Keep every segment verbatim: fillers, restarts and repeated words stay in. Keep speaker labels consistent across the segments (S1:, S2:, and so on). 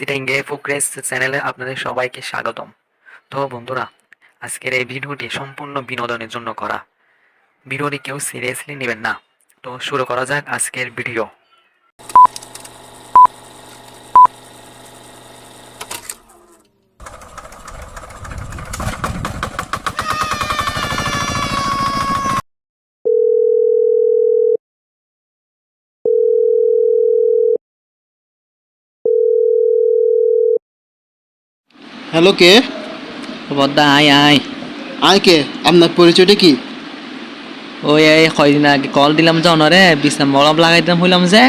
S1: সিটিংয়ে progress চ্যানেলে আপনাদের সবাইকে স্বাগতম। তো বন্ধুরা, আজকের এই ভিডিওটি সম্পূর্ণ বিনোদনের জন্য করা। ভিডিওটি কেউ সিরিয়াসলি নেবেন না। তো শুরু করা যাক আজকের ভিডিও।
S2: হ্যালো, কে?
S3: বদ্দা আয় আয়
S2: আয় কে? আপনার পরিচয়টা কি?
S3: ওই এই কয়দিন আগে কল দিলাম যে অনরে বিশ্রাম মলম লাগাই দিলাম হইলাম যে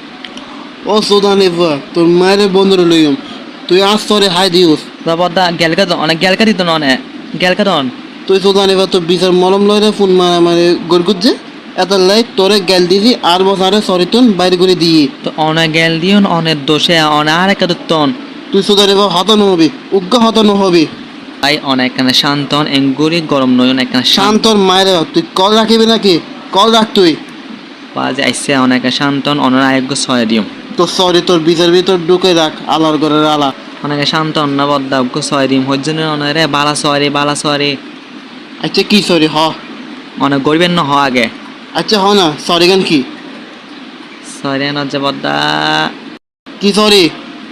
S2: ও সৌদানি বুয়া, তোর মায়ের বন্ধুরে লইম। তুই আজ তোরে হাই দিউস।
S3: তো বদ্দা গেলকা তো অনেক গেলকা দিত না অনেক গেলকা দন
S2: তুই সৌদানি বুয়া তোর বিচার মলম লইরে ফোন মারা মানে গরগুজ যে এত লাই তোরে গেল দিছি আর বসারে সরিতন বাইরে করে দিই।
S3: তো অনেক গেল দিও অনেক দোষে অনেক আর একটা দত্তন
S2: তুই সৌদানি বুয়া হতন হবি, উগ্র হতন হবি।
S3: আই অনেক কানে শান্তন এঙ্গুরি গরম নয় অনেক কানে শান্ত
S2: শান্তর মায়ের তুই কল রাখিবি নাকি? কল রাখ তুই।
S3: বাজে আইসে অনেক শান্তন অনেক আয়োগ্য ছয় দিও
S2: তোর সরি তোর বিচার ভিতর ঢুকে রাখ আলার ঘরের আলা।
S3: অনেক শান্তন না বদ্দা অজ্ঞ ছয় দিম হজ্জন অনেক রে বালা সরি বালা সরি
S2: আচ্ছা কি সরি হ?
S3: অনেক গরিবের ন হ আগে
S2: আচ্ছা হ না, সরি গান কি?
S3: সরি ন যে বদ্দা
S2: কি সরি?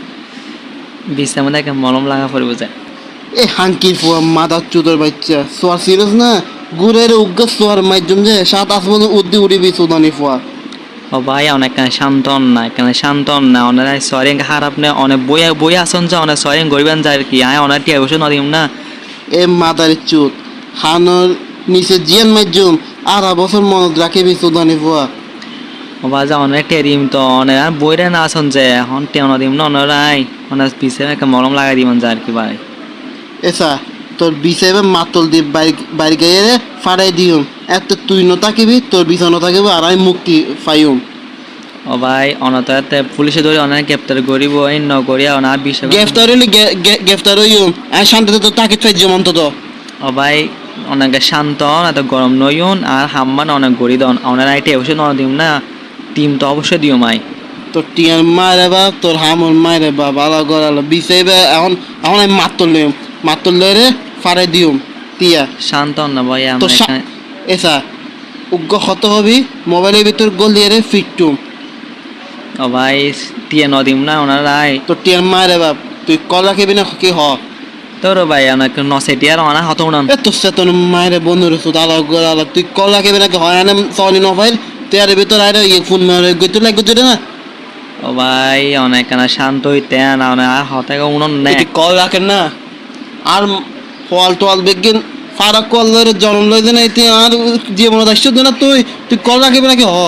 S3: বিশ্রাম মধ্যে মলম লাগা পড়ব যায়
S2: এ হাঙ্কির ফুয়া মাদার চুদর বাচ্চা সোয়ার সিরিয়াস না গুরের উগ্র সোয়ার মাধ্যম যে সাত আসমান উদ্দি উড়িবি সুদানি ফুয়া।
S3: ও ভাই অনেক শান্তন না এখানে শান্তন না অনেক সরি খারাপ না অনেক বই বই আসন যে অনেক সরি গরিবেন যায় কি আয় অনেক টিয়া বসে নদীম না
S2: এ মাদার চুদ হানোর নিচে জিয়ান মাধ্যম আর বছর মনত রাখিবি সুদানি ফুয়া।
S3: ও বাজা অনেক টেরিম তো অনেক আর বইরে না আসন যে এখন টিয়া নদীম না অনেক অনেক পিছিয়ে একটা মলম লাগাই দিবেন যায় আর কি ভাই
S2: এসা তোর বিষয়ে মাতল দিয়ে বাইর বাইর গাইয়ে ফাড়াই দিউম। এত তুই ন থাকিবি তোর বিষয় ন থাকিব আর আমি মুক্তি পাইম।
S3: ও ভাই অনতাতে পুলিশে ধরে অনেক গ্রেপ্তার করিব এই নগরিয়া অনার বিষয়
S2: গ্রেফতার হইলে গ্রেফতার হইম আর শান্তিতে তো তাকে চাই যেমন তো।
S3: ও ভাই অনেক শান্ত এত গরম নইন আর হাম্মান অনেক গড়ি দন অনেক আইটে অবশ্যই ন দিম না টিম তো অবশ্যই দিও মাই
S2: তোর টিয়ার মায়ের বাপ তোর হামর মায়ের বাপ আলা গড়ালো বিষয় এখন এখন আমি মাতল লইম মাতল লইরে ফাড়াই দিউম টিয়া
S3: শান্ত না ভাই
S2: তো
S3: আমরা
S2: এসা উগ্র হত হবি মোবাইলের ভিতর গোল দিয়ে রে ফিটটুম।
S3: ও ভাই টিয়া নদীম না ওনারাই
S2: তোর টিয়ার মায়ের বাপ তুই কল রাখিবি না কি হ?
S3: তোর ভাই আমার নসেটিয়ার অনা হত উনান
S2: এ তোর সাথে তোর মায়ের বন্ধু রসুদ আলা গড়ালো তুই কল রাখিবি নাকি হয় না সনি নফাইল টিয়ারের ভিতর আরে ইয়ে ফোন মারে গইতে লাগ গইতে না।
S3: ও ভাই অনেক না শান্ত হইতে না অনেক আর হতে উনন নে
S2: তুই কল রাখেন না আর ফল টল বেগিন ফারাক কল ধরে জন্ম লইতে না তুই আর জীবন আসছো না তুই তুই কল রাখিবি নাকি হ?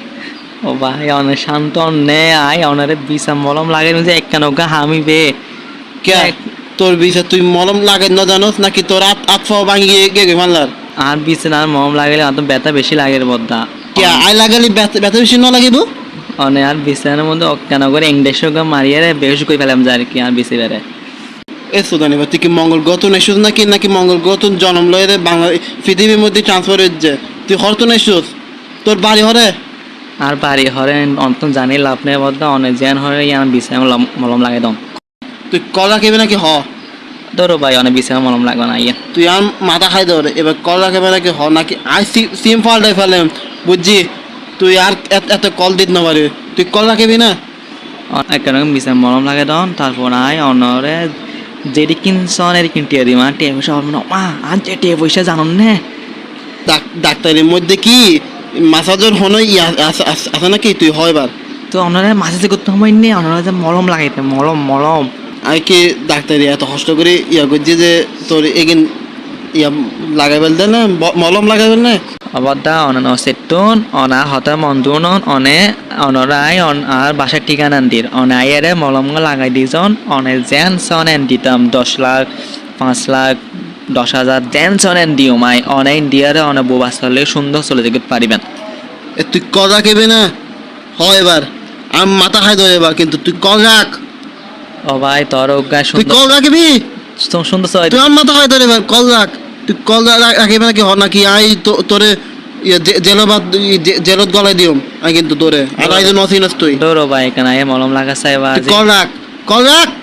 S3: ও ভাই অনেক শান্ত নে আয় অনারে বিষা মলম লাগে যে একখান ওগা হামিবে
S2: কে তোর বিষে তুই মলম লাগাই না জানোস নাকি তোর আত আত ফা ভাঙিয়ে গে গে মানলার?
S3: আর বিষে আর মলম লাগালে আর তো ব্যথা বেশি লাগে রে বদ্দা
S2: কে আই লাগালি ব্যথা ব্যথা বেশি না লাগিব?
S3: অনেক আর বিছানার মধ্যে অজ্ঞান করে ইংলিশ ওগা মারিয়ে রে বেশ করে ফেলাম যায় আর কি আর বেশি বেড়ে
S2: এ সুদানি বা তুই কি মঙ্গল গ্রহ নেশুস নাকি নাকি মঙ্গল গ্রহ জন্ম লয়ে বাংলা পৃথিবীর মধ্যে ট্রান্সফার হচ্ছে তুই হরতো নেশুস তোর বাড়ি হরে
S3: আর বাড়ি হরে অন্ত জানি লাভ নেই বদ্দা অনেক জ্যান হরে ইয়ান বিছানা মলম লাগাই দম
S2: তুই কল রাখিবি নাকি হ?
S3: ধরো ভাই অনেক বিছানা মলম লাগবে না ইয়া
S2: তুই আর মাথা খাই ধরে এবার কল রাখিবি নাকি হ নাকি আই সিম ফাল্টাই ফেলেম বুঝছি তুই আর এত কল দিত না পারি তুই কল রাখিবি না?
S3: একটা বিছানা মলম লাগাই দম তারপর আয় অনরে যেটি কিনছন এর কিনটিয়ে দিই মা টিয়া পয়সা হবে না মা আর যে টিয়া পয়সা জানুন না
S2: ডাক্তারের মধ্যে কি মাসাজর হন ইয়া আছে নাকি তুই হয় বার
S3: তো ওনারা মাঝে যে করতে সময় নেই ওনারা যে মলম লাগাইতে মলম মলম
S2: আমি কি ডাক্তারি এত কষ্ট করে ইয়া করছি যে তোর এগিন ইয়া লাগাই ফেলতে না মলম লাগাই ফেল না
S3: অবদা অনান সেটুন অনা হতা মন্দুন অনে অনরাই অন আর বাসার ঠিকানা দির অনাইয়ারে মলম লাগাই দিজন অনে জেন সন এন দিতাম দশ লাখ পাঁচ লাখ দশ হাজার জেন সন এন দিও মাই অনে ইন্ডিয়ারে অনে বোবা চলে সুন্দর চলে যেতে পারিবেন
S2: এ তুই কল রাখিবি না? হয় এবার আমি মাথা খাই ধরে এবার কিন্তু তুই কল রাখ।
S3: ও ভাই তোর গায়ে
S2: তুই কল রাখিবি
S3: সুন্দর চলে
S2: তুই আমার মাথা খাই ধরে এবার কল রাখ তুই কল রাখিবি নাকি হ নাকি আই তোরে জেলবাদ জেলত গলায় দিও আমি কিন্তু তোরে আর আই নসিনাস তুই
S3: ডোরো ভাই কেন মলম লাগা চাইবা
S2: কল রাখ কল রাখ।